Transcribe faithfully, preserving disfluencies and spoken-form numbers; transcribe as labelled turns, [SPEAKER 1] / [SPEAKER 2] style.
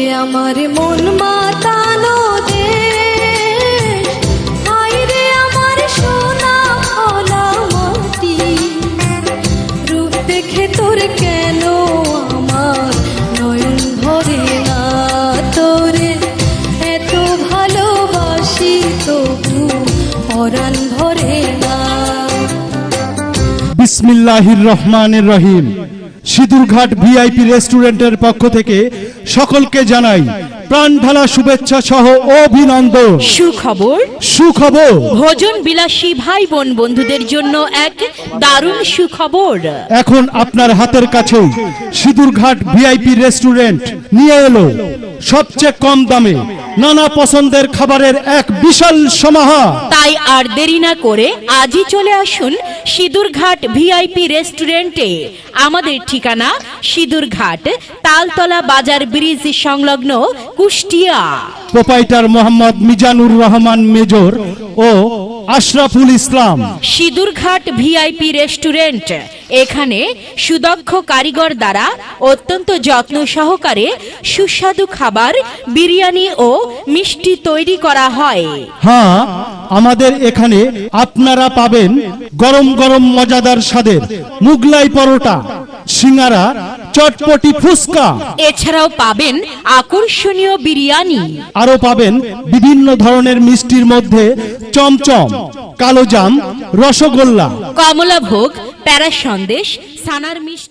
[SPEAKER 1] আমার মন মাতানো দেশ, হায় রে আমার সোনা ফলা মাটি, রূপ দেখে তোর কেন আমার নয়ন ভরে না, তোরে এত ভালোবাসি তবু পরাণ ভরে না।
[SPEAKER 2] বিসমিল্লাহির রহমানির রহিম। সিঁদুরঘাট ভিআইপি রেস্টুরেন্টের পক্ষ থেকে সকলকে জানাই প্রাণ ঢালা শুভেচ্ছা সহ অভিনন্দন।
[SPEAKER 3] সুখবর
[SPEAKER 2] সুখবর
[SPEAKER 3] ভোজন বিলাসী ভাই বোন বন্ধুদের জন্য এক দারুণ সুখবর।
[SPEAKER 2] এখন আপনার হাতের কাছেই সিঁদুরঘাট ভিআইপি রেস্টুরেন্ট নিয়ে এলো সবচেয়ে কম দামে নানা পছন্দের খাবারের এক বিশাল সমাহার।
[SPEAKER 3] তাই আর দেরি না করে আজই চলে আসুন সিঁদুরঘাট ভিআইপি রেস্টুরেন্টে। আমাদের ঠিকানা সিঁদুরঘাট তালতলা বাজার ব্রিজ সংলগ্ন কুষ্টিয়া।
[SPEAKER 2] প্রোপাইটার মোহাম্মদ মিজানুর রহমান মেজর ও আশরাফুল ইসলাম।
[SPEAKER 3] সিঁদুরঘাট ভিআইপি রেস্টুরেন্ট, এখানে সুদক্ষ কারিগর দ্বারা অত্যন্ত যত্ন সহকারে সুস্বাদু খাবার, বিরিয়ানি ও মিষ্টি তৈরি করা হয়।
[SPEAKER 2] হ্যাঁ, আমাদের এখানে আপনারা পাবেন গরম গরম মজাদার স্বাদের মুগলাই পরোটা, সিঙ্গারা, চটপটি ফুচকা।
[SPEAKER 3] এছাড়াও পাবেন আকর্ষণীয় বিরিয়ানি।
[SPEAKER 2] আরো পাবেন বিভিন্ন ধরনের মিষ্টির মধ্যে চমচম, কালোজাম, রসগোল্লা,
[SPEAKER 3] কমলাভোগ, প্যারা সন্দেশ, ছানার মিষ্টি।